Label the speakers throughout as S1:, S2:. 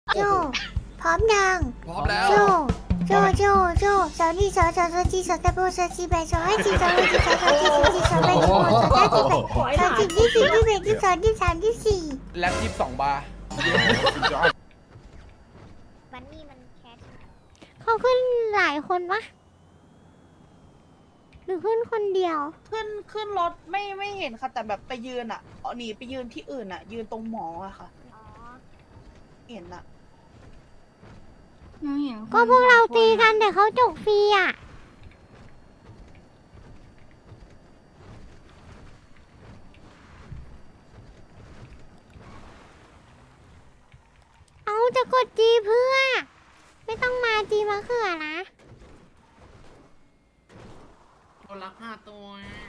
S1: โจพร้อมยัง
S2: พร้อมแล้ว
S1: โจสาวนี่สาวจีสาวตะโบสาวจีแบสาวให้จีสาวให้จีสาวจีสาวจีสาวแบสาวสาวจีแบสาวจีที่สี่ที่แบที่สองที่สามที่สี่
S2: แล็บ22 บาร์
S1: วันนี้มันแคสเขาขึ้นหลายคนปะหรือขึ้นคนเดียว
S3: ขึ้นรถไม่เห็นค่ะแต่แบบไปยืนอ่ะหนีไปยืนที่อื่นอ่ะ ยืนตรงหมออะค่ะเห็นอ่ะ
S1: ก็พวกเราตีกันแต่เขาจกฟรีอ่ะเอาจะกดจีเพื่อ ไม่ต้องมาจีมะเขือนะ
S4: คนละ5 ตัว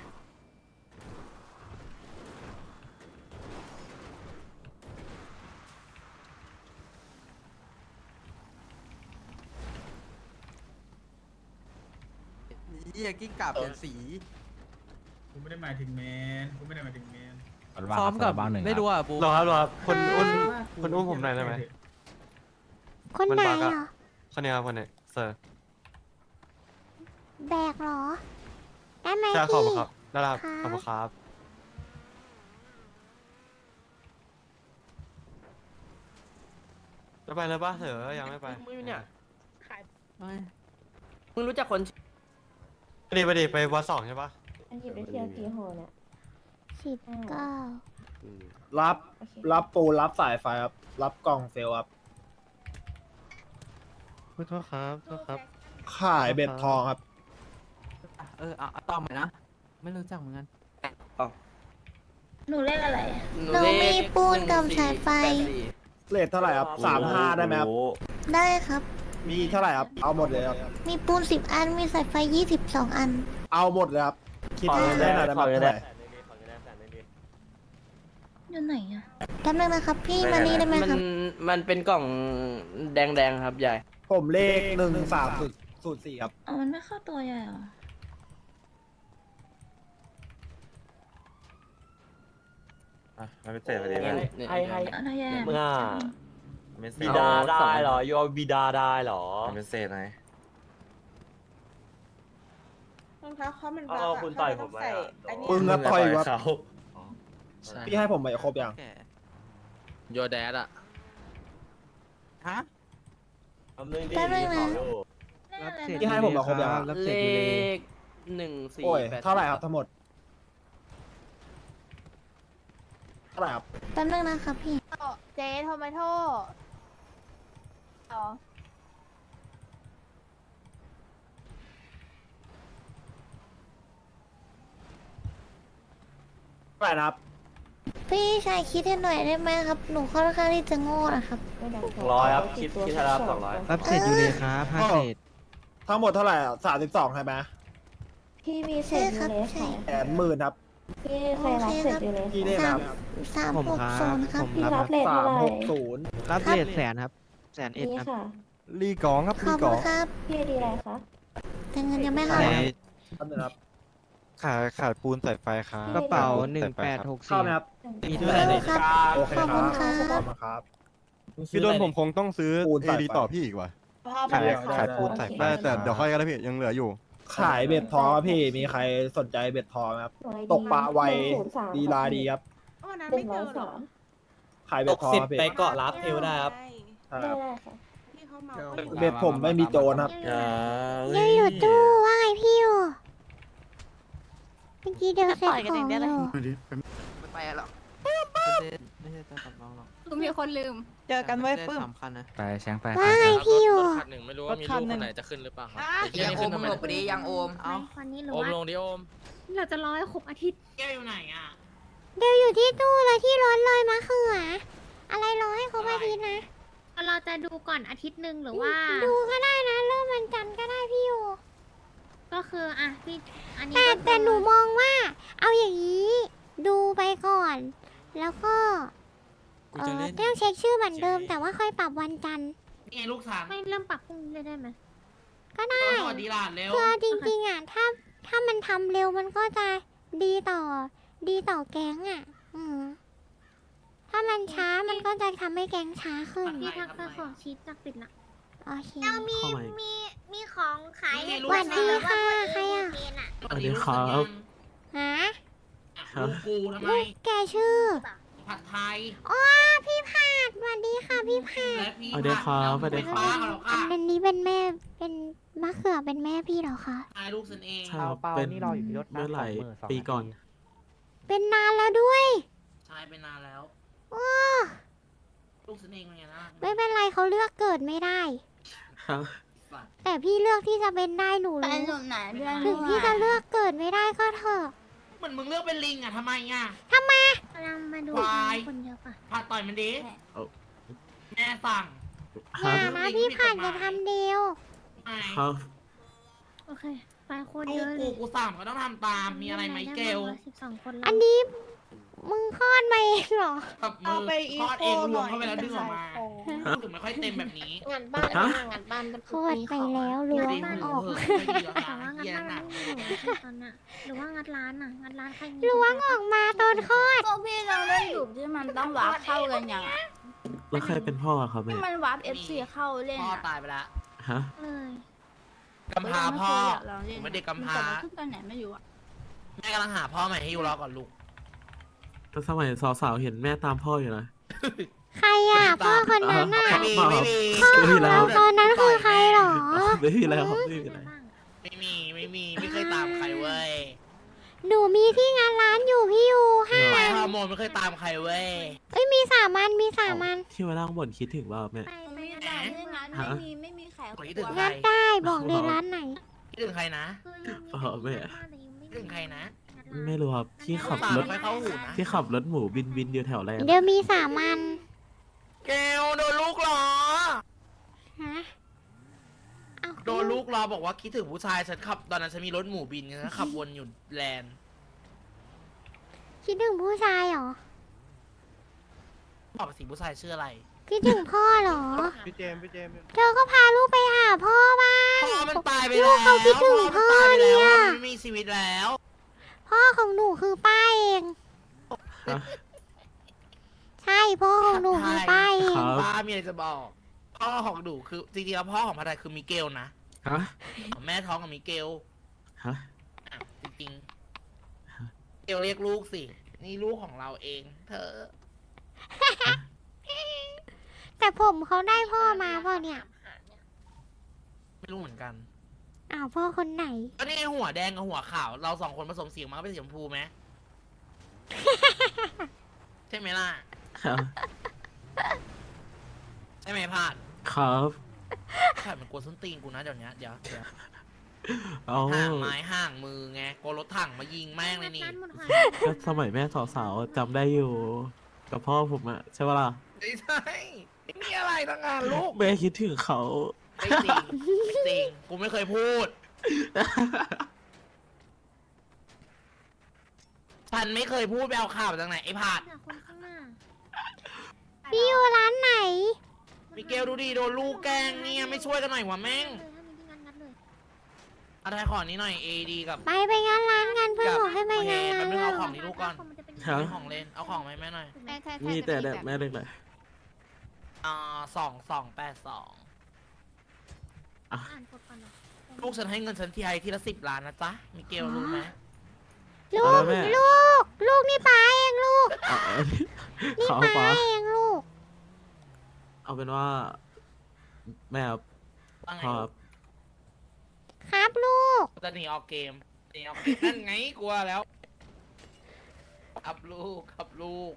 S2: นี่กิ้งก่าเปลี่ยนสี
S5: กูไม่ได้หมายถึงแมนกูไม่ได้หมายถึงแมน
S2: ซ้อมกับไม่รู้อ่ะปู
S6: รอครับคนอุ้มผมหน่อยได้ไหม
S1: คนไหน
S6: มันบั๊ก
S1: เหร
S6: อะ
S1: อ
S6: คนนี้ครับคนนี้เซอร์
S1: แบกเหรอ ได้ไหม
S6: ใช่ขอบ
S1: พี่
S6: คุณครับได้แล้วครับ
S1: ครับ
S6: ขอบคุณครับจะไปเลยป่ะเถอะยังไม่ไป
S4: มึงเนี่ยมึงรู้จักคน
S6: ไปดิไปวัด2ใช่ป่ะ
S7: อันหยิบไปเที่ยวกี่โหเนี่ย
S1: 19
S8: รับปูรับสายไฟครับ รับกล่องเซลล์ครับ
S6: โทษครับโทษครับ
S8: ขายเบ็ดทองครับ
S2: เอาต่อใหม่นะ ไม่รู้จักเหมือนกัน
S7: หนูเล่นอะไร
S1: หนูมีปูนกับสายไฟ
S8: เลทเท่าไหร่ครับ35ได้ไหมครับ
S1: ได้ครับ
S8: มีเท่าไหร่ครับ เอาหมดเลยครับ
S1: มีปูน10 อัน มีสายไฟ22 อัน
S8: เอาหมดเลยครับ คิดได้หน่อยได้ไหมเท่าไหร่
S7: อยู่ไหนอะ
S1: แป๊บนึงนะครับ พี่มานี่ได้ไหมครับ
S4: มันเป็นกล่องแดงๆครับใหญ่
S8: ผมเลข1304ครับ
S7: อ๋อมันไม่เข้าตัวใหญ่เหรอ
S6: มันเป็นเศษพอดีเลย
S4: ให้
S7: อะไรแย่
S6: มึงอ่ะ
S4: มัน
S6: บิดาได้เหรอยูเอาบิดาได้เหรอ
S9: มันเป็นเศษไหน
S3: รองเท้าเขามันบั
S6: เอา
S3: ก
S6: คุณต่อยผมไหม
S3: ใส่
S6: อะ
S3: อันนี้
S8: ปึ้งครับต่อยครับ
S9: เขา
S8: พี่ให้ผมไปครบยัง
S4: โยแดดอะ
S2: ฮะ
S1: แป๊บนึงนะ
S7: เล่นอะไร
S8: พี่ให้ผมมาครบยังครับ
S4: เลข14
S8: โอ้ย
S4: 8
S8: เท่าไหร่ครับทั้งหมด เท่าไหร่ครับ
S1: แป๊บนึงนะครับพี่
S3: เจโทมาโต้อ๋อ
S8: เท่าไหร่นะครับ
S1: พี่ชายคิดให้หน่อยได้ไหมครับ หนูค่อนข้างที่จะโง่นะครับ
S6: 200ครับคิดให้รับ200
S2: รับเศษอยู่เลยครับ5เศษ
S8: ทั้งหมดเท่าไหร่อะ32ใช่ไหม
S7: พี่มีเศษยูเลสค่ะ
S8: 80,000ครับ
S7: พี่เคยรับเศษยูเลส
S8: พี่ได้ครับ
S1: 360ครับ
S7: พี่รับเลทเท่าไหร่
S8: 360
S2: รับเศษ100,000ครับ101,000
S7: นี่
S2: ครับ
S7: ค่ะ
S8: ลีกองครับ
S1: ขอบคุณครับ
S7: พี่ดีอะไรคะ
S1: แต่เงินยังไม่เข้า
S8: ครับนึงครับ
S6: ขาดปูนสายไฟครับ
S2: กระเป๋า
S8: เข้าไหมครับ
S2: 1864มี
S1: เข้า
S2: เท่าไหร่
S1: ครับ
S8: โอเค
S1: ขอบ
S8: ค
S1: คุ
S8: รั
S1: ณ
S8: บ
S1: ครับ
S8: ขอบคุณครับ
S6: พี่โดนผมคงต้องซื้อ
S8: ปูน
S6: เอ
S8: สายไฟ
S6: ดีต่อพี่อีกว่ะ
S3: พ่อ
S6: ขาย
S3: มา
S6: ขายปูนสายไฟแต่เดี๋ยวค่อยกันนะพี่ยังเหลืออยู่
S8: ขายเบ็ดทองครับพี่ มีใครสนใจเบ็ดทองไหมครับ
S7: หน่วย
S8: ตกปลาไว
S7: 103
S8: ดีลาดีครับ
S3: วันนั้น
S7: ห
S3: ไม่
S7: นึ่ง
S3: เจ
S7: ร้อ
S3: อย เหรอ
S7: สาม
S8: ขายเบ็ดทองครับพี่
S3: ไปเกาะรับเทวได้ครับ
S8: ใช่
S7: ได้
S8: ครับ
S7: ได้ค่ะ
S3: ที่เขาเมา
S8: เบ็ดผมไม่มีโจรครับ
S1: ยังอยู่ตู้ว่าไงพี่อยู่เมื่อกี้เดินเสร็จของอยู่
S2: ไม่ไปหรอกไม่ใช่ตัวกับน้องหรอก
S3: คือมีคนลืม
S2: เจอกันไว้ปื้มสำคัญนะ
S9: ไปแชงไป
S1: ว่าไงพี่อยู่
S4: คันหนึ่งไม่รู้ว่ามีลูกคนไหนจะขึ้นหรือเปล่าครับ
S2: ยังโอมหลบไปดิยังโอม เอา
S1: คนนี้หรือ
S4: โอม
S1: ว่า
S4: ลงดิโอม
S1: เราจะรอให้ครบอาทิตย์
S4: แก้วอยู่ไหนอ่ะ
S1: เดี๋ยวอยู่ที่ตู้เลยที่รถเลยมะเขืออะไรรอให้ครบอาทิตย์นะ
S10: เราจะดูก่อนอาทิตย์หนึ่งหรือว่า
S1: ดูก็ได้นะเริ่มวันจันทร์ก็ได้พี่อยู่
S10: ก็คืออ่ะที่อันนี้
S1: แต่หนูมองว่า เอาอย่างนี้ ดูไปก่อน แล้วก็ต้องเช็คชื่อเหมือนเดิม แต่ว่าค่อยปรับวันจันทร์
S4: นี่ลูกสาว
S10: ไม่เริ่มปรับพรุ่งนี้เลยได้ไหม
S1: ก็ได้
S4: สวัสดีหลานเร็ว
S1: คือจริงๆอ่ะถ้ามันทำเร็วมันก็จะดีต่อแก๊งอ่ะ อืมถ้ามันช้ามันก็จะทำให้แกงช้าขึ้น
S10: พี่ทักไปขอชีสจากปิดนะ
S1: โอเค
S10: เรามีของขายให้
S1: สวัสดีค่ะใครอ่ะ
S4: สวัสดีครับ
S1: ฮะ
S4: ลูกกูทำไม
S1: ลูกแกชื่อ
S4: ผัดไทย
S1: อ๋อพี่ผาดสวัสดีค่ะพี่ผาด
S4: และพี่
S8: สวัสดีครับสวัสดีครับ
S4: ป้าเหรอค่ะ
S1: อันนี้เป็นแม่เป็นมะเขือเป็นแม่พี่เหรอคะ
S4: ตายลูกฉันเอง
S8: ใช่ครับเป็นเมื่อไหร่ปีก่อน
S1: เป็นนานแล้วด้วย
S4: ใช่ไปนานแล้ว
S1: โอ้
S4: ลูกฉันเองเป็นไงนะ
S1: ไม่เป็นไรเขาเลือกเกิดไม่ได้
S8: ครับ
S1: แต่พี่เลือกที่จะเป็นได้หนู
S10: ไป
S1: รู้
S10: หนุนไหนเพื่อน
S1: ถึงพี่จะเลือกเกิดไม่ได้ก็เถอะ
S4: เหมือนมึงเลือกเป็นลิงอ่ะทำไมอ่ะ
S1: ทำไม
S10: กำลังมาดู
S4: ควาย
S10: คนเยอะปะ
S4: ผัดต่อยมันดิแม่สั่ง
S8: ค
S1: อ
S8: รับ
S1: ย่านะพี่ผาดจะทำเดียว
S4: ไม่
S8: ครับ
S10: โอเคไปคน
S4: ลู
S10: เย
S4: ก
S10: อะเล
S4: กู
S10: ย
S4: กูสั่งก็ต้องทำตามมีอะไรไหมเกล
S10: 12 คน
S1: อันนี้มึงคลอดมาเองเหรอ
S4: กับมื
S3: เอา
S4: อ
S3: ไปอี
S4: ทอด
S3: โค
S4: เองร
S3: ห
S4: ว
S3: น่
S4: ม
S3: อย
S4: เข้าไปแล้วดึงออกมา
S3: ขายของ
S4: ถึงไม่ค่อยเต็มแบบนี้
S10: งานบ้าน
S8: ฮะ
S10: งานบ้าน
S1: โคตรไปแล้วล้วงออก
S10: แต่ว่างัด
S4: เยี่ย
S10: บ้าน
S4: หนัก
S10: ไม่อยู่ตอนน่ะหรือว่างัดร้านอ่ะงัดร้านใครมี
S1: ล้วงออกมาตอนคลอด
S10: ก็พี่ลองเล่นอยู่ที่มันต้องวาร์ปเข้ากันอย่างอ่ะ
S8: แล้วใครเป็นพ่อครับแม่
S10: ที่มันวาร์ป FC เข้าเล่น
S4: พ่อ
S10: อ่ะ
S4: ตายไปแล้ว
S8: ฮะ
S10: เลย
S4: กำพร้าพ่อ
S10: ลองเล่น
S4: ผมเป็นเด็กกำพร้า
S10: แต่ขึ้นตอนไหนไม่รู้อ่ะ
S4: แม่กำลังหาพ่อใหม่ให้ยูรอก่อนลูก
S8: แต่สมัยสาวๆเห็นแม่ตามพ่ออยู่นะ
S1: ใครอ่ะพ่อคนนั้นน่ะ
S4: ไม่มีไม่มี
S1: พ่อของเราตอนนั้นคือใครเหรอ
S8: ไม่มีแล้วครับไม่มีแล้ว
S4: ไม่เคยตามใครเว้ย
S1: หนูมีที่งานร้านอยู่พี่ยูห้า
S4: ไป
S1: อัน
S4: ฮอร์โมนไม่เคยตามใครเว้ย
S1: เอ้ยมี3 อันมี3 อัน
S8: ที่มานั่งบ่นคิดถึงว่าแม่
S10: ไป
S3: ไม่
S10: ไป
S3: ได้
S10: งาน
S8: ฮะ
S10: ไม่มีแขก
S4: คนที่ถึงใคร
S1: งัดได้บอกเลยร้านไหน
S4: คิดถึงใครนะ คิดถึงใครนะ
S8: ไม่รู้ครับที่ขับ
S4: ตาม
S8: รถ
S4: ไม่เข้าหูนะ
S8: ที่ขับรถหมูบินอยู่แถวแรก
S1: เดี๋ยวมี3 อัน
S4: เกลโดนลูกล้อ
S1: ฮะเอา
S4: โดนลูกล้อบอกว่าคิดถึงผู้ชายฉันขับตอนนั้นฉันมีรถหมูบินฉันขับวนอยู่แลนด์
S1: คิดถึงผู้ชายเหรอ
S4: บอกสิผู้ชายชื่ออะไร
S1: คิดถึงพ่อเหรอ
S6: พี่เจมส์พี่เจมส์
S1: เธอก็พาลูกไปหาพ่อบ้าง
S4: พ่อมันตายไป
S1: ลู
S4: แล้ว
S1: กเขาคิดถึงพ่อ
S4: มันตายไปแล้ว
S1: เนี่ย
S4: มันไม่มีชีวิตแล้ว
S1: พ่อของหนูคือป้าเอง
S8: ฮะ
S1: ใช่พ่อของหนูคือป้าเอง
S8: ครับ
S4: ป้ามีอะไรจะบอก พ่อของหนูคือจริงๆแล้วพ่อของพัทไทยคือมิเกลนะ
S8: ฮะ
S4: แม่ท้องกับมิเกล
S8: ฮะ
S4: อ้าวจริงๆเกลเรียกลูกสิ นี่ลูกของเราเอง เธอ
S1: แต่ผมเขาได้พ่อมาเปล่าเนี่ย
S4: ไม่รู้เหมือนกัน
S1: อ้าวพ่อคนไหน
S4: ก็นี่ไงหัวแดงกับหัวขาว เรา2 คนผสมเสียงมาก็เป็นสีชมพูไหม ใช่ไหมล่ะ
S8: ครับ
S4: ใช่ไหมพาด
S8: ครับ
S4: พาดมันกลัวส้นตีนกูนะเดี๋ยวนี้เดี๋ยว
S8: เอา
S4: ห่างไม้ห่างมือไงกลัวรถถังมายิงแม่งเลยนี่
S8: ก็สมัยแม่สาวๆจำได้อยู่ กับพ่อผมอะใช่ปะล่ะ
S4: ไม่ใช่ไม่มีอะไรทั้งงานลูก
S8: แม่คิดถึงเขา
S4: ไม่จริงไม่จริงกูไม่เคยพูด ฉันไม่เคยพูดไปเอาข่าวจากไหนไอ้ผาด
S10: คนข้างหน้า
S1: พี่อยู่ร้านไหน
S4: มิเกลดูดิโดนลูกแกล้งเนี่ยไม่ช่วยกันหน่อยวะแม่ง
S10: ถ้ามีที่งัดเลย
S4: เอาไทยขอนี้หน่อย AD กับ
S1: ไปงานร้านกันเพื่อนบอกให้ไปงานร้าน
S4: โอเคแป๊บนึงเอาข
S1: เรา
S4: องนี้ลูกก่อน
S10: มันจะเป็น
S8: ครับ
S4: เป็นของเล่นเอาของไหมแม่หน่อย
S8: มีแต่แดดแม่เล็กเลย
S4: 2282
S10: อ่านกดก่อนเหรอ
S4: ลูกฉันให้เงินฉันทีไรทีละ10 ล้านนะจ๊ะมิเกลรู้ไหม
S1: ลูก
S8: แม่
S1: ลูกนี่ป้าเองลูก
S8: อ่ะ
S1: นี่
S8: เขา
S1: ป้า
S8: ฟ้า
S1: เองลูก
S8: เอาเป็นว่า แม่ครับ
S4: ว่าไง
S8: พ่อครับ
S1: ครับลูก
S4: จะหนีออกเกมหนีออกเกมนั่นไงกลัวแล้วครับลูกครับลูก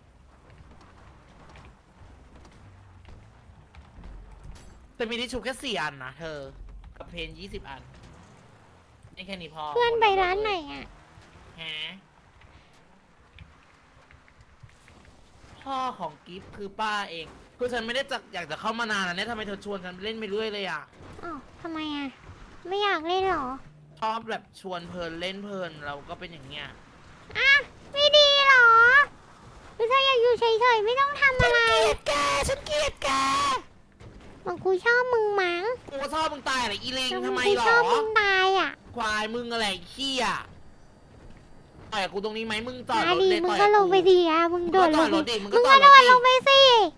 S4: แต่มีทิชชู่แค่4 อันนะเธอ กับเพน20 อันนี่แค่นี้พอ
S1: เพื่อนไปร้านไหนอ่ะ
S4: ฮะพ่อของกิฟต์คือป้าเองคือฉันไม่ได้อยากจะเข้ามานานแล้วเนี่ยทำไมเธอชวนฉันไปเล่นไปเรื่อยเลยอ่ะ
S1: อ้าวทำไมอ่ะ ไม่อยากเล่นเหรอ
S4: ชอบแบบชวนเพลินเล่นเพลินเราก็เป็นอย่างเงี้ย
S1: อ่ะ ไม่ดีเหรอหรือถ้าอยากอยู่เฉยๆไม่ต้องทำอะไร
S4: ฉันเกลียดแก
S1: บอกกูชอบมึงมั้ง
S4: กูก็ชอบมึงตายอะไรอีลิง
S1: แต่
S4: ทำไม
S1: กู
S4: หร
S1: ช
S4: อ
S1: อบมึงตายอ่ะ
S4: ควายมึงอะไรขี้อ่ะต่อยกูตรงนี้ไหมมึงจอด
S1: มาร
S4: ถ
S1: ดี
S4: เลย
S1: มึง
S4: ต่อย
S1: ก็ลงไป
S4: กู
S1: ดีอ่ะมึงโดดลง
S4: มึงก็จอดรถดิมึงก็
S1: มึง
S4: จ
S1: ก็
S4: อด
S1: โด
S4: รถ
S1: ด
S4: ดิ
S1: ลงไปสิ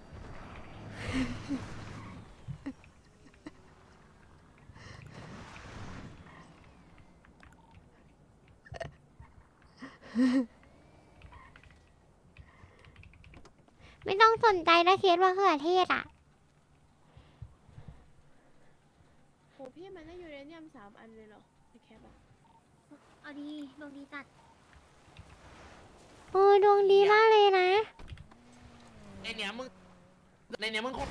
S1: ไม่ต้องสนใจนะเคสว่าเขือเทศอ่ะ
S10: โหพี่มันได้ยูเรเนียม3 อันเลยเหรอในแคปอะเอาดีดวงดีจัด
S1: โอ้ดวงดีมากเลยนะ
S4: ในเนี้ยมึงคง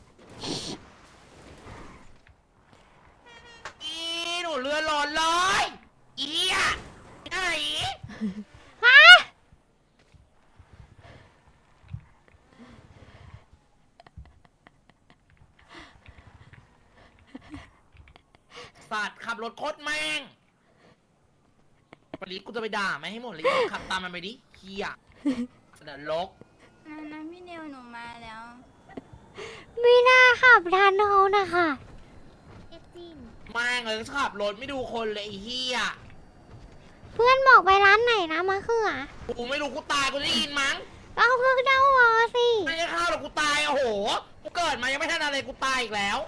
S4: อีหนูเรือร้อนเลยอีอ่ะไหน
S1: ฮะ
S4: สัตว์ขับรถโคตรแม่งวันนี้กูจะไปด่าไหมให้หมดเลยขับตามมันไปดิเฮียเสนอลก
S10: นั้นพี่เนวหนูมาแล้ว
S1: ไม่น่าขับทันเขานะคะ
S10: เอฟจิน
S4: แม่งเลยขับรถไม่ดูคนเลยไอ้เฮีย
S1: เพื่อนบอกไปร้านไหนนะมะเขือ
S4: กูไม่รู้กูตายกูได้ยินมั้ง
S1: ก็เอาเครื่องเดาวอสิ
S4: ไม่ได้เข้าหรอกกูตายโอ้โหกูเกิดมายังไม่ทันอะไรกูตายอีกแล้ว